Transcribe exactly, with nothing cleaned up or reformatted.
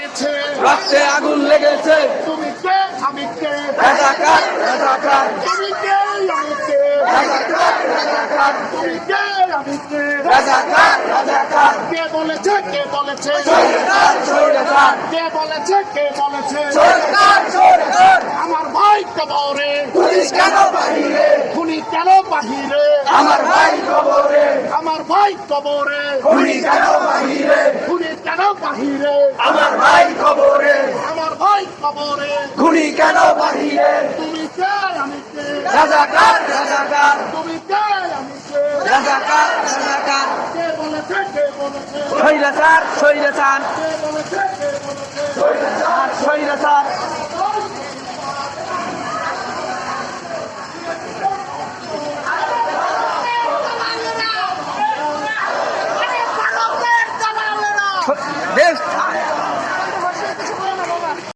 লেগেছে, রক্তে আগুন লেগেছে। তুমি কে আমি কে, রাজাকার রাজাকার তুমি কে আমি কে, রাজাকার রাজাকার তুমি কে আমি কে, রাজাকার রাজাকার কে বলেছে কে বলেছে, সরকার সরকার কে বলেছে কে বলেছে, সরকার সরকার আমার ভাই কবরে, পুলিশ কেন বাহিরে, খুনি কেন বাহিরে, আমার ভাই কবরে, আমার ভাই কবরে, খুনি কেন বাহিরে, খুনি কেন বাহিরে, আমার ভাই কবরে, আমার ভাই কবরে, খুনি কেন বাহিরে, তুমি কে আমি কে, রাজাকার রাজাকার তুমি কে আমি কে, রাজাকার রাজাকার কে বলেছে কে বলেছে, স্বৈরাচার স্বৈরাচার কে বলেছে কে বলেছে,